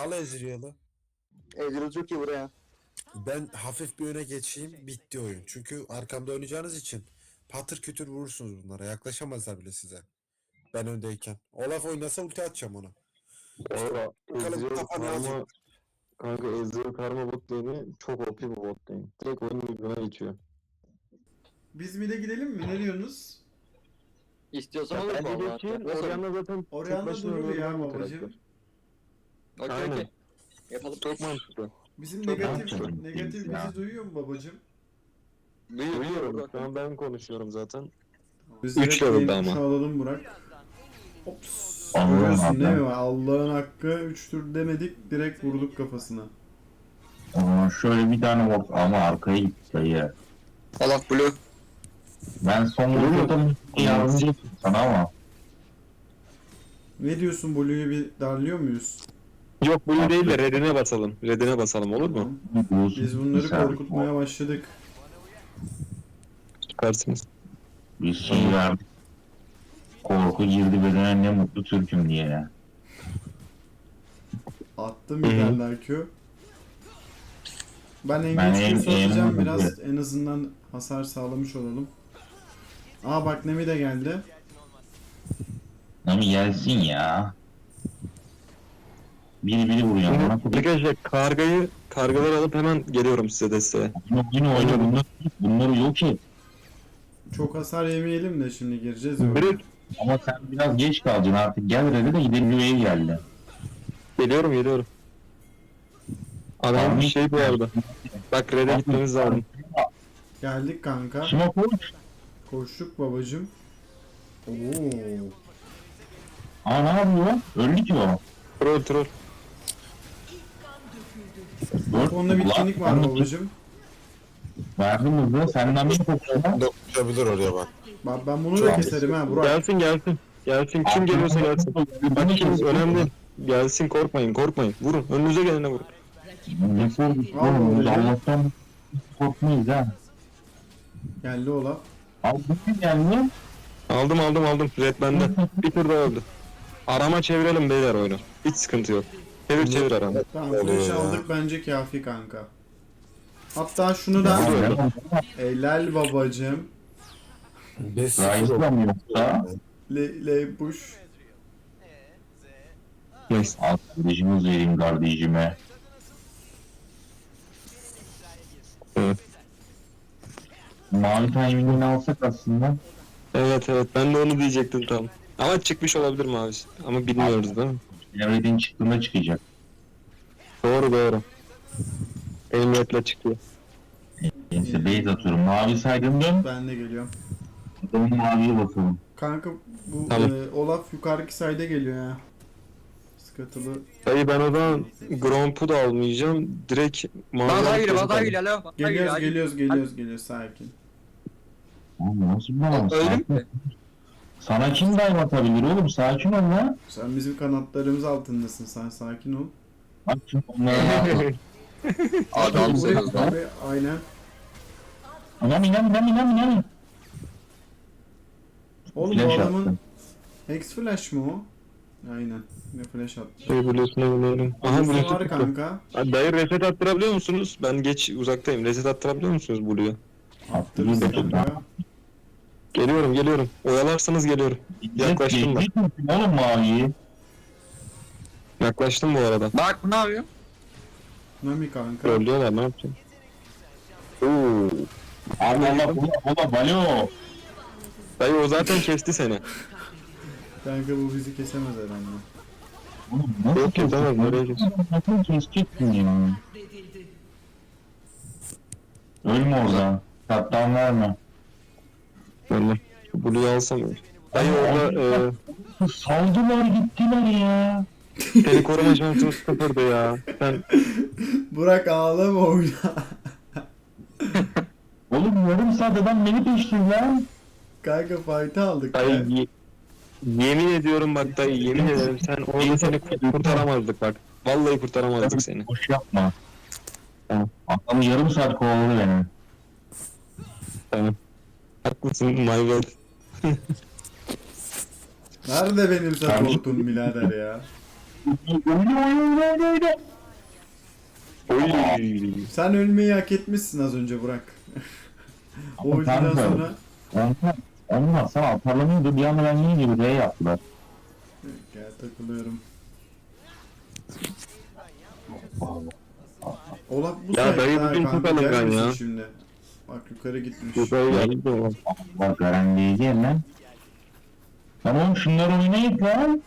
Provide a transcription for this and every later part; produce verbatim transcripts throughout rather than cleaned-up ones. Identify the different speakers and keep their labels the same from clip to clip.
Speaker 1: Al Ezreal'ı.
Speaker 2: Ezreal çok iyi buraya.
Speaker 1: Ben hafif bir öne geçeyim. Bitti oyun. Çünkü arkamda oynayacağınız için patır kütür vurursunuz bunlara. Yaklaşamazlar bile size. Ben öndeyken. Olaf oynasa ulti atacağım ona.
Speaker 3: Valla
Speaker 1: Bakalım
Speaker 3: Ezreal
Speaker 1: kafa ne
Speaker 3: Karma
Speaker 1: yazıyor.
Speaker 3: kanka Ezreal Karma bot lane'i çok O P bir bot lane. Direkt oyunu birbirine geçiyor.
Speaker 4: Biz mid'e gidelim mi? Ne diyorsunuz?
Speaker 2: İstiyorsan
Speaker 3: Ya
Speaker 2: olur
Speaker 3: bence
Speaker 2: valla.
Speaker 3: geçin.
Speaker 2: Nasıl?
Speaker 3: Orianna zaten tek
Speaker 4: Orianna
Speaker 3: başına
Speaker 4: durur ya
Speaker 3: öldürülen bir
Speaker 4: babacım.
Speaker 3: karakter.
Speaker 2: Okey
Speaker 3: Aynen.
Speaker 2: okey. Yapalım.
Speaker 3: Çok mantıklı.
Speaker 4: Bizim
Speaker 3: Çok
Speaker 4: negatif
Speaker 3: mantıklı.
Speaker 4: negatif bizi duyuyor mu babacım?
Speaker 2: Duyuyor
Speaker 3: Duyuyorum.
Speaker 2: duyuyor.
Speaker 3: Şu an ben konuşuyorum zaten.
Speaker 4: Biz
Speaker 3: Üç
Speaker 4: direkt
Speaker 3: level'da
Speaker 4: yeni
Speaker 3: ama.
Speaker 4: kuşağı alalım Burak. Ops.
Speaker 5: Allah'ın
Speaker 4: Görüyorsun değil
Speaker 5: hakkı.
Speaker 4: mi? Allah'ın hakkı üç tur demedik direkt vurduk kafasına.
Speaker 5: O zaman şöyle bir tane bot ama arkaya gitti dayı.
Speaker 2: Allah blue.
Speaker 5: Ben son vuruşta yardımcı ettim sana ama.
Speaker 4: Ne diyorsun Blue'yu bir darlıyor muyuz?
Speaker 3: Yok bunu değil de redine basalım. Redine basalım olur mu?
Speaker 4: Biz bunları korkutmaya başladık.
Speaker 3: Çıkarsınız.
Speaker 5: Bir şey verdik. Korku girdi bedene, ne mutlu Türk'üm diye.
Speaker 4: Attım bir
Speaker 3: Hı hı.
Speaker 4: tane daha Q. Ben
Speaker 5: Ben
Speaker 4: engage
Speaker 5: en-
Speaker 4: Q'su atacağım
Speaker 5: en-
Speaker 4: biraz en azından hasar sağlamış olalım. Aa bak Nemi de geldi.
Speaker 5: Ama gelsin ya. Biri biri vuruyor. Bana
Speaker 3: Şimdi arkadaşlar kargayı kargaları alıp hemen geliyorum size desteğe.
Speaker 5: Yine oyna oyna bunları, bunları yok et.
Speaker 4: Çok hasar yemeyelim de şimdi gireceğiz ya.
Speaker 3: Biri
Speaker 4: oyuna.
Speaker 5: Ama sen biraz geç kalacaksın artık. Gel Red'e de gidelim, Lüve'ye geldi.
Speaker 3: geliyorum geliyorum. Adam
Speaker 5: Tamam.
Speaker 3: şey bu arada. Bak red'e gitmemiz lazım.
Speaker 4: Geldik kanka.
Speaker 5: Şimdi koş.
Speaker 4: Koştuk babacım. Oo.
Speaker 5: Aa ne yapıyor? Öldü ki o.
Speaker 3: Troll troll.
Speaker 5: Dört
Speaker 4: Onda bitkinlik var
Speaker 5: Ulan,
Speaker 4: babacım.
Speaker 5: verdim hızı. Senden bir kokusuna.
Speaker 1: Dokunabilir oraya bak.
Speaker 4: Bak ben bunu da keserim ha Burak.
Speaker 3: Gelsin gelsin. Gelsin kim geliyorsa gelsin. Bak kim önemli değil. Gelsin korkmayın korkmayın. Vurun önünüze gelene vurun.
Speaker 5: Ne korkusu
Speaker 4: Al
Speaker 5: oğlum? Biz
Speaker 4: babacım.
Speaker 5: Allah'tan korkmayız ha.
Speaker 4: Geldi Olaf.
Speaker 5: Abi bu ne geldi?
Speaker 3: Aldım aldım aldım. Red bende. Bir tur daha öldü. Arama çevirelim beyler oyunu. Hiç sıkıntı yok. Çevir çevir arama.
Speaker 4: Tamam
Speaker 1: Oluyor
Speaker 4: flash
Speaker 1: ya.
Speaker 4: aldık bence kafi kanka. Hatta şunu da
Speaker 3: Oluyor.
Speaker 4: helal babacım.
Speaker 1: beş
Speaker 5: Rise'la mı yoksa?
Speaker 4: Le, le push.
Speaker 3: Neyse.
Speaker 5: Al kardeşimiz vereyim kardeşime.
Speaker 3: Evet.
Speaker 5: Mavi timing'ini alsak aslında.
Speaker 3: Evet evet ben de onu diyecektim tam. Ama çıkmış olabilir mi abi? Ama bilmiyoruz değil mi?
Speaker 5: Red'in çıktığında çıkacak.
Speaker 3: Doğru doğru. Benim red'le çıkıyor.
Speaker 5: Neyse base atıyorum. Mavi saydım dön.
Speaker 4: Ben de geliyorum.
Speaker 5: Adamın maviye bakalım.
Speaker 4: Kanka bu
Speaker 3: Tamam.
Speaker 4: e, Olaf yukarıki sayda geliyor ya. Sıkıntılı.
Speaker 3: Dayı ben o zaman Gromp'u da almayacağım. Direkt
Speaker 2: Bana daha
Speaker 3: mavi
Speaker 2: geliyor bana daha geliyor alo. Bana
Speaker 4: Geliyoruz
Speaker 2: geliyor,
Speaker 4: geliyoruz geliyoruz geliyoruz sakin.
Speaker 5: Oğlum nasıl bir balans?
Speaker 2: Öldüm mü?
Speaker 5: Sana kim dive atabilir oğlum? Sakin ol lan.
Speaker 4: Sen bizim kanatlarımız altındasın sen sakin ol.
Speaker 5: Bak şimdi onlara ne yapalım?
Speaker 2: Adamsınız lan.
Speaker 4: Abi, aynen.
Speaker 5: İnan inan inan inan inan.
Speaker 4: Oğlum
Speaker 5: Flash
Speaker 4: bu adamın
Speaker 5: attı.
Speaker 4: Hex flash mı o? Aynen. Ne flash attı.
Speaker 3: Şey Blue'suna binelim. Aha
Speaker 4: Blue'su
Speaker 3: Blue'su
Speaker 4: var
Speaker 3: tuttu.
Speaker 4: kanka.
Speaker 3: Ha, dayı reset attırabiliyor musunuz? Ben geç uzaktayım. Reset attırabiliyor musunuz Blue'yu?
Speaker 4: Attırırız
Speaker 5: Attırırız
Speaker 4: kanka.
Speaker 3: Geliyorum geliyorum. Oyalarsanız geliyorum. Yaklaştım ben.
Speaker 5: Geçtik mi oğlum maviyi?
Speaker 3: Yaklaştım bu arada.
Speaker 2: Bak bu ne yapıyor?
Speaker 4: Nami kanka.
Speaker 3: Trollüyorlar ne yapacağım? Oo.
Speaker 5: Allah Allah bula bula balo.
Speaker 3: Dayı o zaten kesti seni.
Speaker 4: Kanka bu bizi kesemez herhalde.
Speaker 5: Oğlum nasıl
Speaker 3: Yok ki, tamam, nereye
Speaker 5: keseceksin? Nasıl keseceksin ya? Ölme oradan. Tattan verme.
Speaker 3: Vallahi. Şu Blue'yu alsam ya. Dayı orada e,
Speaker 5: Saldılar gittiler ya.
Speaker 3: seni koruma şansın sıfırdı ya. Sen
Speaker 4: Burak ağlama oyna.
Speaker 5: Oğlum yarım saat adam beni peşti lan.
Speaker 4: Kanka fight'ı aldık ya.
Speaker 3: dayı ye- yemin ediyorum bak dayı yemin ederim sen orada seni kurt- kurtaramazdık bak. Vallahi kurtaramazdık seni.
Speaker 5: Boş yapma.
Speaker 3: Tamam.
Speaker 5: Adam yarım saat kovaladı beni.
Speaker 3: Tamam. Haklısın my bad.
Speaker 4: Nerede benim supportum birader ya?
Speaker 5: Oyna oyna oyna oyna oyna.
Speaker 4: Sen ölmeyi hak etmişsin az önce Burak. O
Speaker 5: Ama
Speaker 4: ultiden
Speaker 5: kanka,
Speaker 4: sonra
Speaker 5: Onlar, onlar sana atarlanıyordu. Bir anda ben niye gibi R yaptılar.
Speaker 4: gel takılıyorum. Olaf bu
Speaker 3: Ya dayı
Speaker 4: sayede
Speaker 3: bugün
Speaker 4: kanka,
Speaker 3: çok alıngan
Speaker 4: gelmesin
Speaker 3: ya.
Speaker 4: şimdi. Bak yukarı gitmiş.
Speaker 3: Yukarı geldi o.
Speaker 5: Bak Garen diyeceğim lan. Lan oğlum şunları oynayın lan.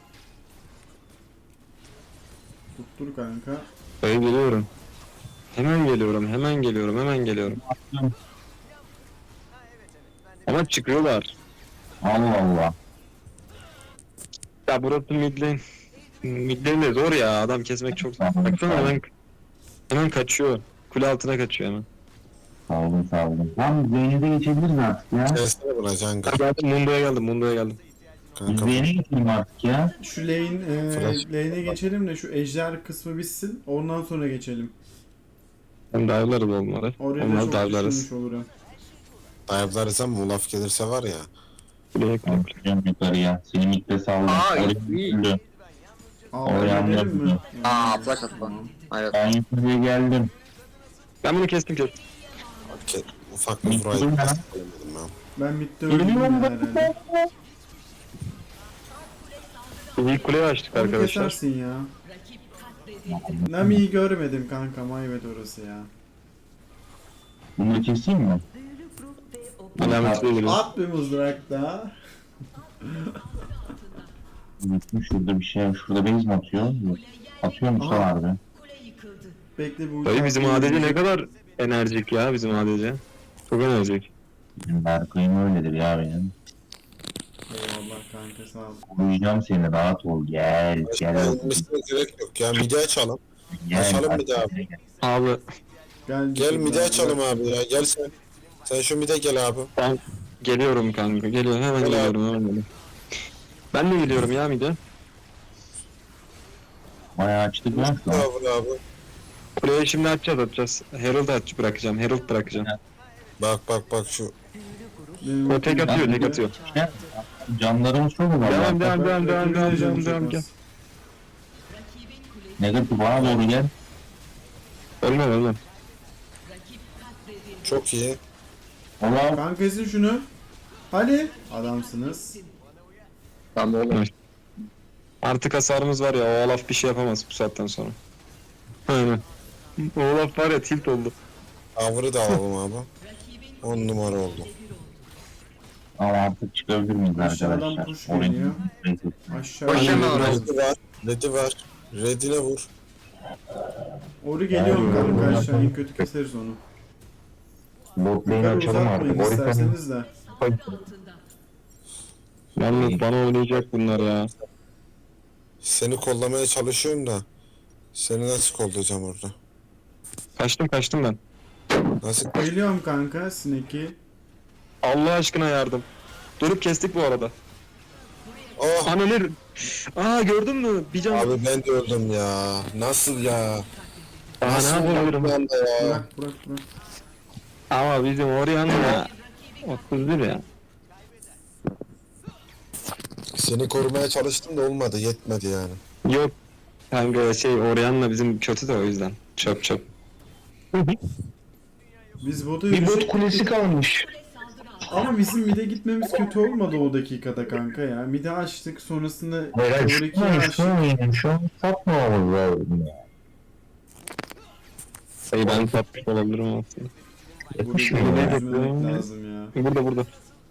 Speaker 4: Tuttur kanka.
Speaker 3: Dayı geliyorum. Hemen geliyorum, hemen geliyorum, hemen geliyorum. Ama çıkıyorlar.
Speaker 5: Allah Allah.
Speaker 3: Ya burası mid lane. Mid lane de zor ya, adam kesmek çok zor. Baksana hemen, hemen kaçıyor. Kule altına kaçıyor hemen.
Speaker 5: Sağ olun sağ olun. Tamam Zeynep'e de geçebiliriz artık ya.
Speaker 1: Kestene buna Canga.
Speaker 3: Geldim, Mundo'ya geldim, Mundo'ya geldim.
Speaker 5: Biz
Speaker 1: Kanka
Speaker 5: Zeynep'e geçelim artık ya.
Speaker 4: Şu lane, e,
Speaker 1: Flash.
Speaker 4: lane'e geçelim de şu ejder kısmı bitsin. Ondan sonra geçelim.
Speaker 3: Hem dive'larız onları.
Speaker 4: Oraya da
Speaker 3: Onları
Speaker 4: çok
Speaker 3: dive'larız.
Speaker 4: düşünmüş olurum.
Speaker 1: dayablarız ama Olaf gelirse var ya.
Speaker 3: Kuleye kuleye.
Speaker 5: Bakacağım yukarıya. Seni mitte saldım.
Speaker 2: Aa,
Speaker 5: Oraya
Speaker 2: iyi.
Speaker 5: yürüdüm.
Speaker 4: Aa
Speaker 5: Oraya
Speaker 4: ben gidelim mi?
Speaker 5: anladım.
Speaker 2: Aa flash atma. Hayır.
Speaker 5: Ben yukarıya geldim.
Speaker 3: Ben bunu kestim kestim.
Speaker 1: Ke- Ufak bir
Speaker 5: Bitti
Speaker 1: burayı
Speaker 5: mi lan?
Speaker 1: kesemedim ben.
Speaker 4: Ben bitti öldüm ya herhalde.
Speaker 3: Biz ilk kuleyi açtık
Speaker 4: Onu
Speaker 3: arkadaşlar.
Speaker 4: kesersin ya. Nami'yi görmedim kanka, mayvet orası ya.
Speaker 5: Bunu keseyim mi?
Speaker 3: Alametli geliyor.
Speaker 4: At bir mızrak daha.
Speaker 5: Bitmiş şurada bir şey. Şurada base mi atıyor? Yok. Atıyor mu
Speaker 4: Aha.
Speaker 5: abi?
Speaker 4: Bekle bu
Speaker 3: Dayı bizim
Speaker 4: uçak
Speaker 3: A D C ne
Speaker 4: gelecek.
Speaker 3: kadar enerjik ya bizim A D C. Çok enerjik.
Speaker 5: Bizim Berkay'ım öyledir ya benim.
Speaker 4: Eyvallah kanka sağ ol.
Speaker 5: Koruyacağım seni rahat ol. Gel gel.
Speaker 1: Gelmesine gerek yok ya. Midi açalım.
Speaker 5: Gel.
Speaker 1: Açalım bir daha.
Speaker 5: Gel.
Speaker 3: Abi
Speaker 4: Gel,
Speaker 1: Gel midi açalım abi ya. Gel sen. Sen şu mide gel abi.
Speaker 3: ben geliyorum kanka. Geliyorum hemen
Speaker 1: Gel abi.
Speaker 3: geliyorum hemen geliyorum. Ben de geliyorum ya mide.
Speaker 5: Bayağı açtık lan şu an.
Speaker 1: Abi abi.
Speaker 3: Kuleyi şimdi açacağız atacağız. Herald aç bırakacağım. Herald bırakacağım.
Speaker 1: Bak bak bak şu.
Speaker 4: Benim
Speaker 3: O tek atıyor tek atıyor.
Speaker 5: Ne? Canlarımız çok mu var?
Speaker 3: Devam devam
Speaker 4: Bak,
Speaker 3: devam devam devam
Speaker 4: öldüreceğim
Speaker 3: devam devam
Speaker 4: çok
Speaker 3: gel.
Speaker 4: az.
Speaker 5: Negatif bana doğru gel.
Speaker 3: Ölmem ölmem.
Speaker 1: Çok iyi.
Speaker 5: Ulan
Speaker 4: Kanka ezin şunu. Hadi. Adamsınız.
Speaker 2: Tamam oğlum.
Speaker 3: Artık hasarımız var ya, o Olaf bir şey yapamaz bu saatten sonra. Aynen. O Olaf var ya tilt oldu.
Speaker 1: Avırı da alalım abi. on numara oldu.
Speaker 5: ama artık çıkabilir miyiz
Speaker 4: Aşağıdan
Speaker 5: arkadaşlar?
Speaker 4: push
Speaker 5: Orayı-
Speaker 4: geliyor. Aşağı.
Speaker 2: Hoş geldin
Speaker 3: Aynen.
Speaker 2: oraya.
Speaker 1: Red'i var. Red'i var. Red'ine vur.
Speaker 4: Oru geliyorum kanka aşağı. En kötü keseriz onu.
Speaker 5: Bot lane
Speaker 4: Yukarı
Speaker 5: açalım artık.
Speaker 4: uzatmayın
Speaker 5: Orayı
Speaker 4: isterseniz de.
Speaker 3: Yalnız bana oynayacak bunlar ya.
Speaker 1: Seni kollamaya çalışıyorum da. Seni nasıl kollayacağım orada?
Speaker 3: Kaçtım kaçtım ben.
Speaker 1: Nasıl?
Speaker 4: Geliyorum kanka Snake'i.
Speaker 3: Allah aşkına yardım. Durup kestik bu arada.
Speaker 1: Oh!
Speaker 3: Anneler. Aa gördün mü? Bir can.
Speaker 1: Abi ben de öldüm ya. Nasıl ya?
Speaker 3: Aa, ne
Speaker 1: Nasıl
Speaker 3: yapabilirim?
Speaker 1: bir anda ya?
Speaker 4: Bırak bırak bırak.
Speaker 3: Ama bizim Orianna otuz bir ya.
Speaker 1: Seni korumaya çalıştım da olmadı. Yetmedi yani.
Speaker 3: Yok. Kanka şey Orianna bizim kötü de o yüzden. Çöp çöp.
Speaker 4: Biz botu
Speaker 3: Bir bot
Speaker 4: yürüyecek
Speaker 3: kulesi kalmış.
Speaker 4: ama bizim mid'e gitmemiz kötü olmadı o dakikada kanka ya. Mid'e açtık sonrasında
Speaker 5: Beyler
Speaker 4: Oriki'ye
Speaker 5: şu an
Speaker 4: açtık.
Speaker 5: şu an şu an satmamamız lazım ya.
Speaker 3: Sayı ben satmış olabilirim aslında.
Speaker 5: Yetmiş
Speaker 4: Burada
Speaker 5: mi
Speaker 3: ne
Speaker 5: ya?
Speaker 4: çözmemek lazım ya.
Speaker 3: Burada burada.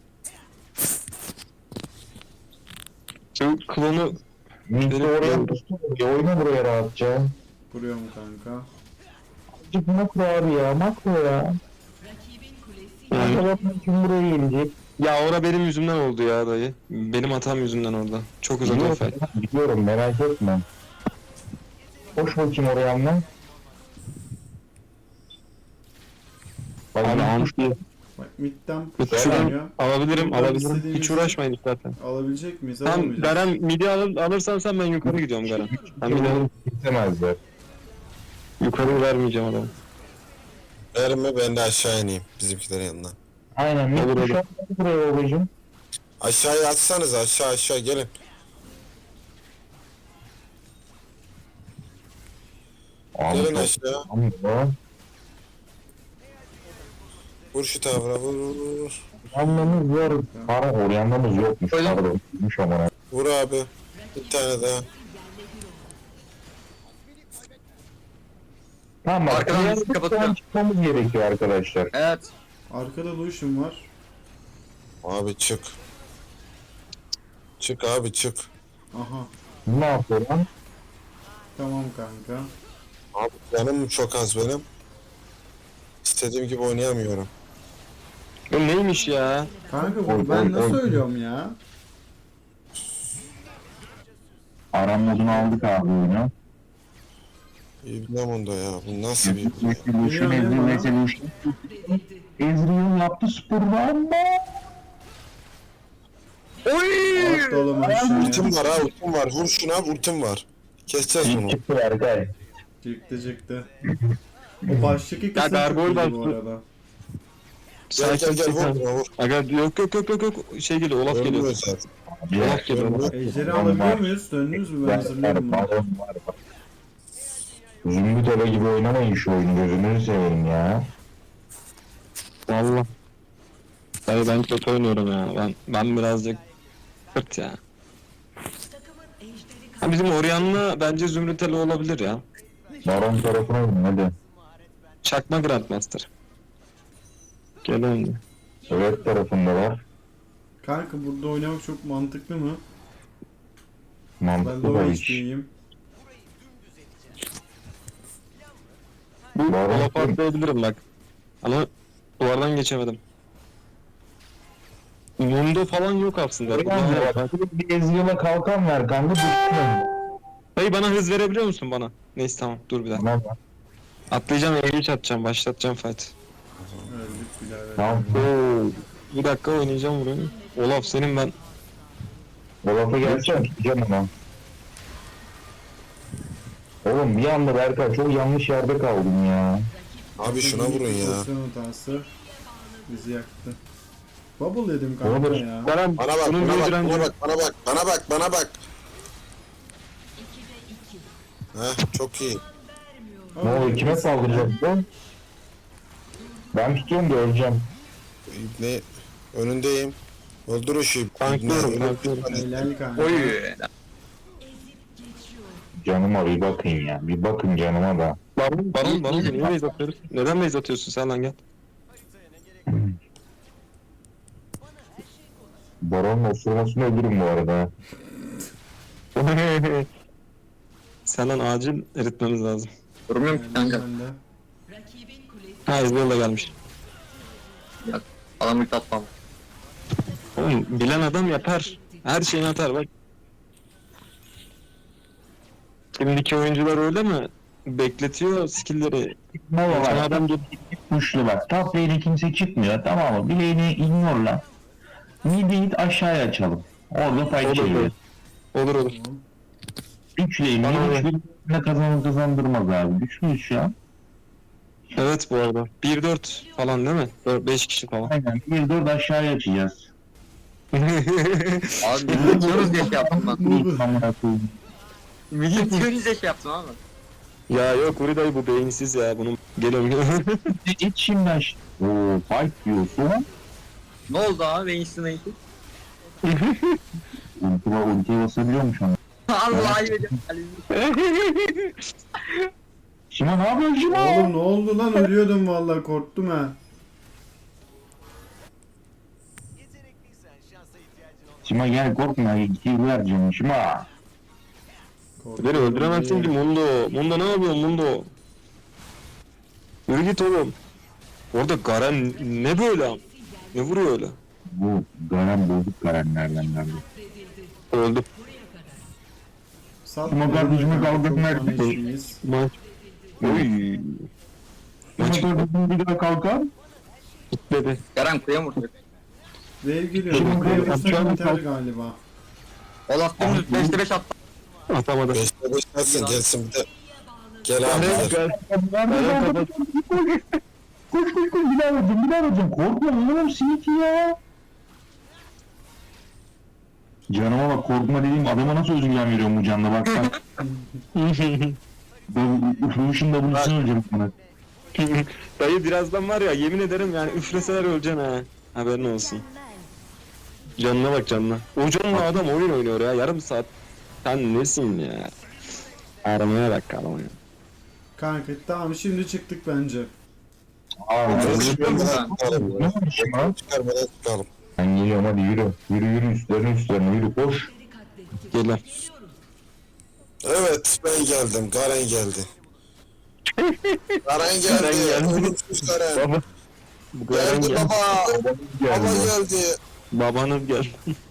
Speaker 3: Şu klonu
Speaker 5: Mid'de oraya tuttum. Ya oyna buraya rahatça.
Speaker 4: Vuruyorum kanka.
Speaker 5: Azıcık makro abi ya makro ya.
Speaker 3: yani,
Speaker 5: Makro kim buraya gelecek?
Speaker 3: ya ora benim yüzümden oldu ya dayı. Benim hatam yüzünden orada. Çok uzak o fel.
Speaker 5: Biliyorum merak etme. Koş bakayım oraya anla.
Speaker 3: Abi
Speaker 5: Bak,
Speaker 3: anti.
Speaker 4: Bak mid'den
Speaker 3: Şuradan
Speaker 4: push geliyor.
Speaker 3: alabilirim
Speaker 4: Buradan
Speaker 3: alabilirim.
Speaker 4: istediğimiz-
Speaker 3: Hiç uğraşmayın zaten.
Speaker 4: Alabilecek miyiz?
Speaker 3: Tamam
Speaker 4: Alamayacağız.
Speaker 3: Garen midi al, alırsan sen ben yukarı gidiyorum Garen. Ben midi alıp
Speaker 5: Gitsemezler.
Speaker 3: yukarı vermeyeceğim adamı.
Speaker 1: Verme ben de aşağı ineyim bizimkilerin yanına.
Speaker 5: Aynen.
Speaker 3: Olur,
Speaker 5: Olur,
Speaker 3: olur.
Speaker 5: şu an buraya babacım.
Speaker 1: Aşağıya atsanız aşağı aşağı gelin. Gelin
Speaker 5: Abi,
Speaker 1: aşağı.
Speaker 5: tamam ya.
Speaker 1: Vur şu tavra vur vur vur, vur.
Speaker 5: Oryanlamız var. Para oryanlamız yokmuş.
Speaker 2: Öyle mi?
Speaker 5: Pardon. Yokmuş ama.
Speaker 1: Vur abi. Bir tane daha.
Speaker 5: Tamam bak.
Speaker 2: Arkadan
Speaker 5: Arkadan
Speaker 2: bizi kapatıyor.
Speaker 5: çıkmamız gerekiyor arkadaşlar.
Speaker 2: Evet.
Speaker 4: Arkada Lucian var.
Speaker 1: Abi çık. Çık abi çık.
Speaker 4: Aha.
Speaker 5: Ne yapıyor lan?
Speaker 4: Tamam kanka.
Speaker 1: Abi canım çok az benim. İstediğim gibi oynayamıyorum.
Speaker 3: Bu neymiş ya?
Speaker 4: Kanka
Speaker 5: Oy,
Speaker 4: bunu ben
Speaker 5: oy,
Speaker 4: nasıl
Speaker 5: oy.
Speaker 4: ölüyorum ya?
Speaker 5: Aram modunu aldık abi oyunu.
Speaker 1: İbnem onda ya. Bu nasıl bir...
Speaker 5: Evolution,
Speaker 4: Biliyorum,
Speaker 5: Evolution. Ezreal yaptı sporu ama.
Speaker 4: Attı oğlum aşağıya.
Speaker 1: Ultim var ha ultim var. Vur şuna ultim var. Keseceğiz bunu.
Speaker 5: Çıktı Berkay.
Speaker 4: Çıktı çıktı. O baştaki
Speaker 3: Ya
Speaker 4: kısım çok
Speaker 3: Gargoyle
Speaker 4: iyiydi bu
Speaker 3: bastı.
Speaker 4: arada.
Speaker 1: Gel gel gel vur
Speaker 3: Sakin.
Speaker 1: buna vur.
Speaker 3: Aga yok yok yok yok yok şey geliyor Olaf
Speaker 1: Ölmüyor
Speaker 3: geliyor.
Speaker 1: zaten.
Speaker 3: Olaf geliyor. Olaf.
Speaker 4: Ejderi
Speaker 5: Var.
Speaker 4: alabiliyor muyuz? Döndünüz mü? Ben hazırlıyorum bunu.
Speaker 5: Baron var bak. Zümrüt Eve gibi oynamayın şu oyunu, gözünüzü seveyim ya.
Speaker 3: Valla. Dayı ben kötü oynuyorum ya. Ben ben birazcık kırt ya. Ha, bizim Orion'la bence Zümrüteli olabilir ya.
Speaker 5: Baron tarafına oynayın hadi.
Speaker 3: Çakma Grandmaster. Gelen.
Speaker 5: Evet tarafında var.
Speaker 4: Kanka burada oynamak çok mantıklı mı? Ben
Speaker 5: Mantıklı da
Speaker 4: low
Speaker 5: hiç.
Speaker 4: H P'yim.
Speaker 3: Bu
Speaker 5: Baron
Speaker 3: Olaf
Speaker 5: kim?
Speaker 3: atlayabilirim bak. Ama duvardan geçemedim. Mundo falan yok aslında.
Speaker 5: Oryan
Speaker 3: Bak.
Speaker 5: bak, bir Ezreal'a kalkan ver kanka, düşsün.
Speaker 3: Dayı bana hız verebiliyor musun bana? Neyse tamam dur bir dakika.
Speaker 5: Tamam
Speaker 3: Atlayacağım, engage atacağım, başlatacağım fight.
Speaker 4: Öldük birader.
Speaker 5: tamam.
Speaker 3: Oo, bir dakika oynayacağım burayı. Olaf senin ben.
Speaker 5: Olaf'a gelsene, tutacağım onu. Oğlum bir anda Berkay çok yanlış yerde kaldım ya.
Speaker 1: Abi şuna vurun ya.
Speaker 4: Pozisyon hatası bizi yaktı. Bubble yedim kanka
Speaker 5: Olur.
Speaker 4: ya.
Speaker 3: Baran
Speaker 1: Bana bak
Speaker 3: bunun
Speaker 1: bana
Speaker 3: bir
Speaker 1: bak
Speaker 3: direnci
Speaker 1: bana
Speaker 3: yok.
Speaker 1: bak bana bak bana bak bana bak. Heh çok iyi.
Speaker 5: Ne oluyor, kime saldıracak bu? Ben tutuyorum da öleceğim.
Speaker 1: Ne önündeyim. Öldür o şeyi.
Speaker 3: Tanklıyorum,
Speaker 1: Ne-
Speaker 3: tanklıyorum.
Speaker 4: Helal kanka.
Speaker 2: Oy.
Speaker 5: Canıma bir bakın ya, bir bakın canıma da.
Speaker 3: Baron, Baron, Baron niye base atıyoruz? Neden base atıyorsun sen lan gel.
Speaker 5: Baron'un osurmasını ölürüm bu arada.
Speaker 3: Sen lan acil eritmemiz lazım.
Speaker 2: Durmuyorum ki kanka.
Speaker 4: Ben de.
Speaker 3: Ha Ezreal da gelmiş.
Speaker 2: Adam ilk atmam.
Speaker 3: Oğlum bilen adam yapar. Her şeyini atar bak. Şimdiki oyuncular öyle mi? Bekletiyor skill'leri.
Speaker 5: Ne
Speaker 3: Geçen
Speaker 5: var?
Speaker 3: adam gelip
Speaker 5: Kuşlu bak. Top lane'e kimse çıkmıyor, tamam mı? Bir lane'i ignore lan. Mid'i aşağıya açalım. Orada fight
Speaker 3: Olur,
Speaker 5: çeviriyor.
Speaker 3: olur olur.
Speaker 5: üç lane,
Speaker 3: Bana
Speaker 5: üç lane kazanır kazandırmaz abi. Güçlüyüz şu an.
Speaker 3: Evet bu arada. bir dört falan değil mi? beş kişi falan.
Speaker 5: Aynen. bir dört aşağıya açacağız.
Speaker 2: Abi biz geçiyoruz diye şey yaptım ben.
Speaker 4: Bubble.
Speaker 5: Amına koyayım.
Speaker 2: Geçiyoruz diye şey yaptım abi.
Speaker 3: Ya yok Uri dayı bu beyinsiz ya. Bunun geliyorum geliyorum.
Speaker 5: İç şimdi aş. Oo, fight diyorsun.
Speaker 2: Ne oldu abi? Ben işte neydi?
Speaker 5: Ultiye ultiye basabiliyormuş onu.
Speaker 2: Allah ayıp ediyorum.
Speaker 5: Şima ne yapıyorsun Şima?
Speaker 4: Oğlum ne oldu lan, ölüyordum vallahi, korktum ha.
Speaker 5: Şima gel korkma. İki vereceğim Şima.
Speaker 4: Korktum
Speaker 3: Beni öldüremezsin ki
Speaker 4: diye.
Speaker 3: Mundo. Mundo ne yapıyorsun Mundo? Yürü git oğlum. Orada Garen ne böyle am? Ne vuruyor öyle?
Speaker 5: Bu Garen bozuk Garenlerden geldi.
Speaker 3: Öldü.
Speaker 4: Sat
Speaker 5: Ama
Speaker 4: beni,
Speaker 5: kardeşime
Speaker 4: kanka,
Speaker 5: kaldırma
Speaker 4: çok
Speaker 5: erkek.
Speaker 4: tanışıyız.
Speaker 3: Maç. Oy. Maç
Speaker 5: Şima kardeşim bir daha kalkar.
Speaker 3: gitmedi.
Speaker 2: Yaran kuya vurdu.
Speaker 4: Wave geliyor.
Speaker 5: Şimdi
Speaker 4: Wave
Speaker 5: yapacağım
Speaker 4: vursak biter
Speaker 5: kalk-
Speaker 4: galiba.
Speaker 2: Olaf dümdüz beşte beş attı.
Speaker 3: Atamadı.
Speaker 1: Beşte beş atsın gelsin bir de. Gel abi gel.
Speaker 3: Garen kapat.
Speaker 5: Koş koş koş bir daha vuracağım bir daha vuracağım. Korkma oğlum siniki ya. Canıma bak, korkma dediğim adama nasıl özgüven veriyorum bu canla bak bak. Ben Ufuş'un da buluşunu öleceğim sana.
Speaker 3: Dayı birazdan var ya yemin ederim yani üfleseler öleceksin ha. Haberin olsun. Canına bak canına. O canla adam oyun oynuyor ya yarım saat. Sen nesin ya? Aramaya bak aramaya.
Speaker 4: Kanka tamam şimdi çıktık bence.
Speaker 5: Aa,
Speaker 1: Çıkarmadan çıkalım.
Speaker 5: ne olmuş lan?
Speaker 1: Çıkarmadan çıkalım.
Speaker 5: Ben geliyorum hadi yürü. Yürü yürü üstlerine üstlerine yürü koş.
Speaker 3: Gel lan.
Speaker 1: Evet ben geldim. Garen geldi. Garen geldi.
Speaker 3: Garen geldi.
Speaker 1: Ölümsüz Garen.
Speaker 3: Baba. Bu kadar
Speaker 1: Geldi
Speaker 3: gel.
Speaker 1: baba. Baba
Speaker 5: Geldi.
Speaker 1: geldi.
Speaker 3: Babanım gel.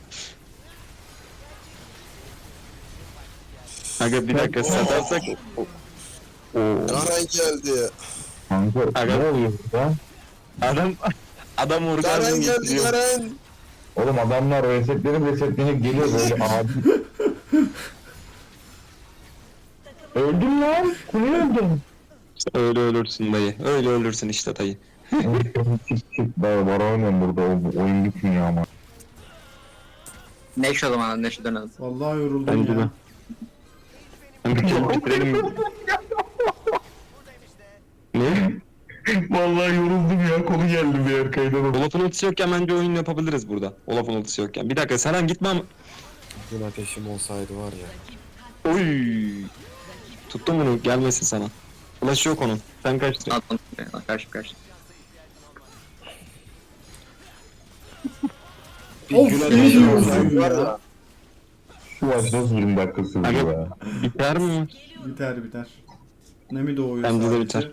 Speaker 3: Aga bir dakika satarsak. Oo.
Speaker 1: Garen geldi.
Speaker 5: Kanka
Speaker 3: Aga.
Speaker 5: ne oluyor burada?
Speaker 3: Adam adam
Speaker 1: Garen
Speaker 3: orgazm
Speaker 1: geldi
Speaker 3: getiriyor.
Speaker 1: Garen.
Speaker 5: Oğlum adamlar resetlenip resetlenip geliyor böyle abi. Öldüm lan. Kule öldüm.
Speaker 3: Öyle ölürsün dayı. Öyle ölürsün işte dayı.
Speaker 5: Çık çık daha var oynuyorum burada o, oyun bitmiyor ama.
Speaker 2: Neşe o zaman Neşe dönelim.
Speaker 4: Vallahi yoruldum
Speaker 3: Bence
Speaker 4: ya.
Speaker 3: de. Ben bir kere bitirelim. Ne?
Speaker 5: Vallahi yoruldum ya konu geldi bir yer kaydan.
Speaker 3: Olaf'ın ultisi yokken bence oyun yapabiliriz burada. Olaf'ın ultisi yokken. Bir dakika Serhan gitme ama.
Speaker 1: Gün ateşim olsaydı var ya.
Speaker 3: Oy. Tuttum bunu gelmesin sana. Ulaşı yok onun. Sen kaçtın.
Speaker 2: Atlan. Karşı karşı.
Speaker 1: Bir
Speaker 4: Of,
Speaker 1: gün
Speaker 4: iyi
Speaker 1: ateşim
Speaker 4: diyorsun
Speaker 1: olsaydı var
Speaker 4: ya.
Speaker 1: ya.
Speaker 5: Şu maç nasıl yirmi dakika sürdü
Speaker 3: Aga
Speaker 5: ya.
Speaker 3: biter mi?
Speaker 4: Biter biter. Ne mi doğuyor
Speaker 3: Bence de
Speaker 4: sadece?
Speaker 3: biter.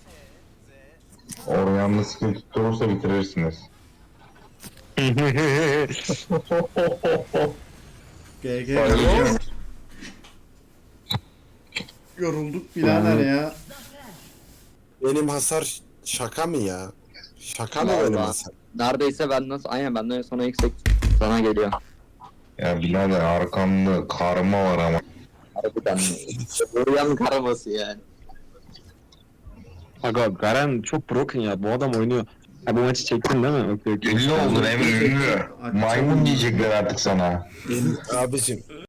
Speaker 5: Oryanlı skill tutturursa bitirirsiniz.
Speaker 4: G G. Yorulduk birader ya.
Speaker 1: Benim hasar şaka mı ya? Şaka mı
Speaker 2: Vallahi.
Speaker 1: benim hasar?
Speaker 2: Neredeyse ben nasıl aynen benden sonra yüksek sana geliyor.
Speaker 5: Ya birader arkamda karma var ama.
Speaker 2: Harbiden. Buraya karaması yani.
Speaker 3: Aga Garen çok broken ya. Bu adam oynuyor. Ha bu maçı çektin değil mi? Okey, okey.
Speaker 5: Ünlü oldun Emre ünlü. Maymun diyecekler artık sana.
Speaker 1: Abicim